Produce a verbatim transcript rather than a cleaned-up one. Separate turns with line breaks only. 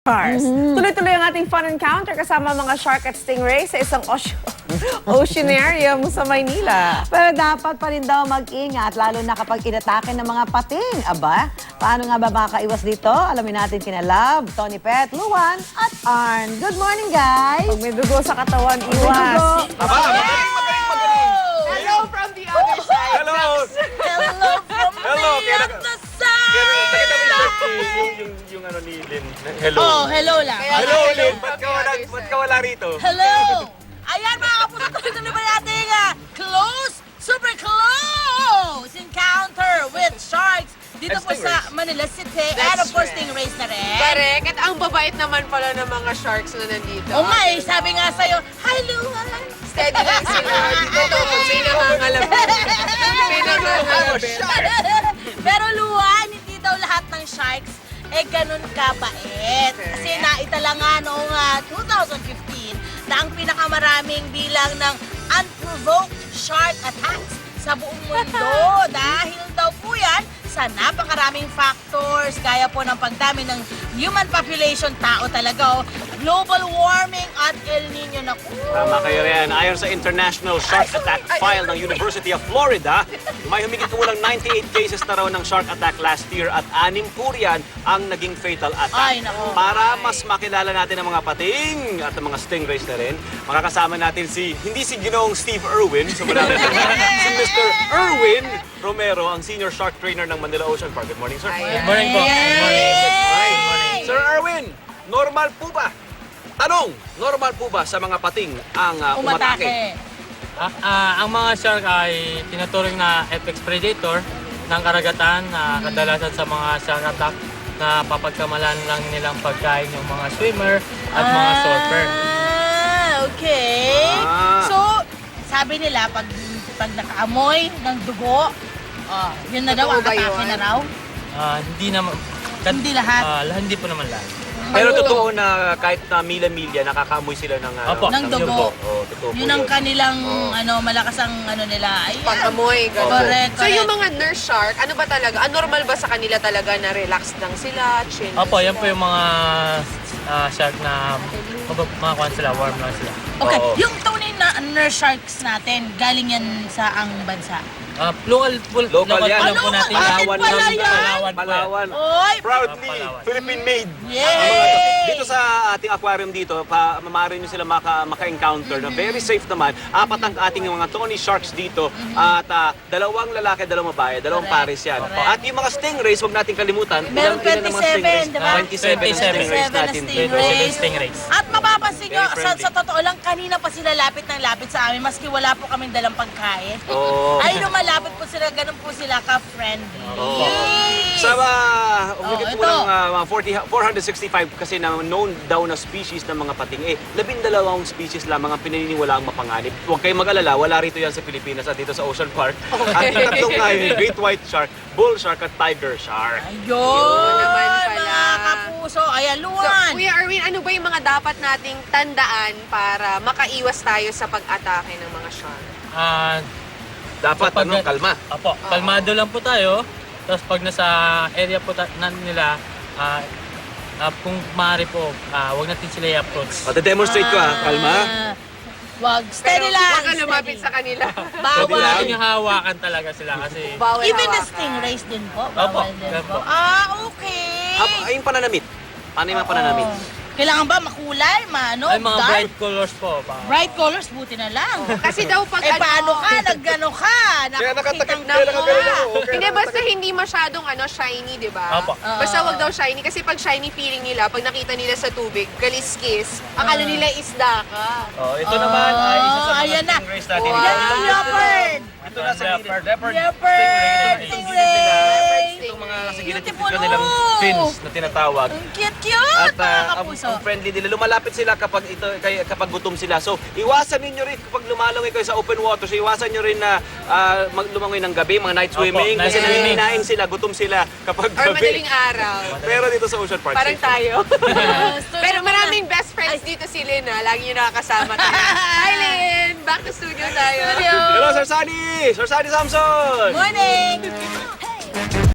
Stars. Tuloy-tuloy ang ating fun encounter kasama mga shark at stingray sa isang ocean oceanarium sa Maynila.
Pero dapat pa rin daw mag-ingat, lalo na kapag inatake ng mga pating. Aba, paano nga ba makakaiwas dito? Alamin natin kina Love, Tony Pet, Luan, at Arn. Good morning, guys!
Pag may dugo sa katawan,
Dugo.
iwas.
Aba, magaling, magaling, magaling.
Hello from the other side.
Hello.
Hello from
Hello,
the
kaya-
other
Kaya nakita mo
side!
yung, yung, yung, yung ano ni Lynn. Hello.
Oh, hello lang.
Hello, Lynn. Ba't ka wala, ba't ka wala rito?
Hello! Ayan mga kapuso, tuloy-tuloy ba natin uh, close, super close encounter with sharks dito
And
po sa
stingrays.
Manila City
That's
and of course
right.
stingrays na rin.
Correct. At ang babait naman pala ng mga sharks na nandito.
Oh my, sabi nga sa'yo, hi Luan!
Steady lang sila. Dito to, may nangangalabit. May nangangalabit.
Pero Luan, hindi daw lahat ng sharks eh ganun kabait. Kasi naitala nga noong ah, two thousand fifteen na ang pinakamaraming bilang ng unprovoked shark attacks sa buong mundo. Dahil daw po yan sa napakaraming factors, gaya po ng pagdami ng human population, tao talaga, oh, global warming at El Nino na po.
Tama kayo rin. Ayon sa International Shark Attack File ng University of Florida, may humigit kumulang ninety-eight cases na raw ng shark attack last year at anim po riyan ang naging fatal attack.
Ay, nako.
Para mas makilala natin ang mga pating at ang mga stingrays na rin, makakasama natin si, hindi si Ginoong Steve Irwin, so malapit si Mister Irwin Romero, ang senior shark trainer ng Manila Ocean Park. Good morning, sir.
Ayan.
Morning po. Good morning.
Yay!
Sir Irwin, normal po ba? Tanong, normal po ba sa mga pating ang uh, umatake?
Umatake.
Ah, ah, ang mga shark ay tinuturing na apex predator ng karagatan na kadalasan sa mga shark attack na papagkamalan lang nilang pagkain yung mga swimmer at mga surfer.
Ah, okay.
Ah.
So, sabi nila, pag, pag nakaamoy ng dugo, oh, yun na daw,
Totoo
ang
ba
atake
yun?
na raw.
Ah, hindi naman
Hindi lahat.
Ah, lah- hindi po naman lahat.
Pero
Oo.
totoo na kahit na mila-milya, nakakaamoy sila ng, uh,
Opo.
Ng dugo.
Oo, totoo po
Yun ang
yun.
kanilang,
Oo.
ano, malakas ang, ano nila. Ayan.
Pag-amoy, gano'n.
Correct,
So yung
correct.
mga nurse shark, ano ba talaga? Ah, normal ba sa kanila talaga na relax lang sila, chill lang
Opo, yan
sila?
po yung mga ah, shark na mag- mga kwan sila, warm lang sila.
Okay,
Oo.
yung tunay na nurse sharks natin, galing yan sa ang bansa.
Ah, local, po,
Local
local,
yan.
po lang po
Ano,
natin.
Palawan
Palawan
pala yan?
Palawan po yan.
Palawan.
Oy!
Proudly,
Palawan.
Philippine made.
Yay!
Ang mga to. Dito sa ating aquarium dito, pa, maaari nyo sila maka, maka-encounter na very safe naman. Apat ang ating mga Tony Sharks dito at ah, dalawang lalaki, dalawang babae, dalawang
Correct.
pares yan.
Correct.
At yung mga stingrays, huwag natin kalimutan.
Meron
ilan- ilan ang mga
twenty-seven,
stingrays?
di ba?
twenty-seven na stingrays
twenty-seven na
natin.
stingrays.
Stingrays.
At mapapansin nyo,
Very
sa,
friendly.
sa totoo lang, kanina pa sila lapit ng lapit sa amin, maski wala po kaming dalang pagkain.
Oo.
Ay, lumalapit po sila, ganun po sila ka-friendly.
Oo. Sa uh, umigit
Oh,
po
ito.
ng ah, mga forty, four hundred sixty-five kasi na known daw na species ng mga pating, eh, labindalawang species lamang ang pinaniniwalaang mapanganib. Huwag kayong mag-alala, wala rito yan sa Pilipinas at dito sa Ocean Park. At tatlong nga yun, Great White Shark, Bull Shark at Tiger Shark.
Ayun,
naman pala.
mga kapuso. Ayan,
So,
Luan.
Kuya Erwin, ano ba yung mga dapat nating tandaan para makaiwas tayo sa pag-atake ng mga shark?
Ah,
Dapat,
Kapag-
ano, kalma.
Apo, kalmado lang po tayo. Tapos pag nasa area po ta- na nila, ah, ah, kung maaari po, ah, wag natin sila i-approach.
Pati-demonstrate ko ha, kalma.
Ah, Wag, steady
Pero
lang.
Huwag ka lumapit
steady.
sa kanila.
Huwag
Bawal.
natin yung hawakan talaga sila kasi...
Bawal
Even the
hawakan.
stingrays din po.
Opo,
Bawal din
yan
po.
po.
Ah, okay.
Ah, ay, yung pananamit. Paano yung mga pananamit?
Oo. Kailangan ba makulay, maano,
Ay, mga
dark?
bright colors po. Pa.
Bright colors, buti na lang.
Kasi daw pag
eh, paano ka? Naggano ka?
Kaya nakatakip,
Nakakitang
kaya nakagalan ako. Okay,
Hindi, basta hindi masyadong ano, shiny, di ba?
Opo.
Basta wag daw shiny. Kasi pag shiny feeling nila, pag nakita nila sa tubig, kaliskis, akala nila isda ka.
Oh, ito naman ay isa sa mga
ayan na.
stingrays natin.
Yan yung leopard.
Ito na sa gilid. Leopard.
Leopard, stingray.
Itong mga sa gilid,
Beautiful.
yung kanilang fins na tinatawag.
Ang cute-cute,
At
mga
ah, ang,
kapuso.
ang friendly nila, lumalapit sila kapag ito kay, kapag gutom sila. So, iwasan ninyo rin kapag lumalangoy kayo sa open water. So, iwasan nyo rin na ah, mag- lumangoy ng gabi, mga night
Opo,
swimming.
night
Kasi
swimming.
nangininain sila, gutom sila kapag
Or
gabi.
madaling araw.
Pero dito sa Ocean Park,
Parang
safe.
tayo.
Yes,
Pero maraming best friends dito si Lynn, ha? Lagi niyo nakakasama tayo. Hi, Lynn! Back to studio tayo.
Studio.
Hello, Sir Sunny! Sir Sunny Samson!
Morning!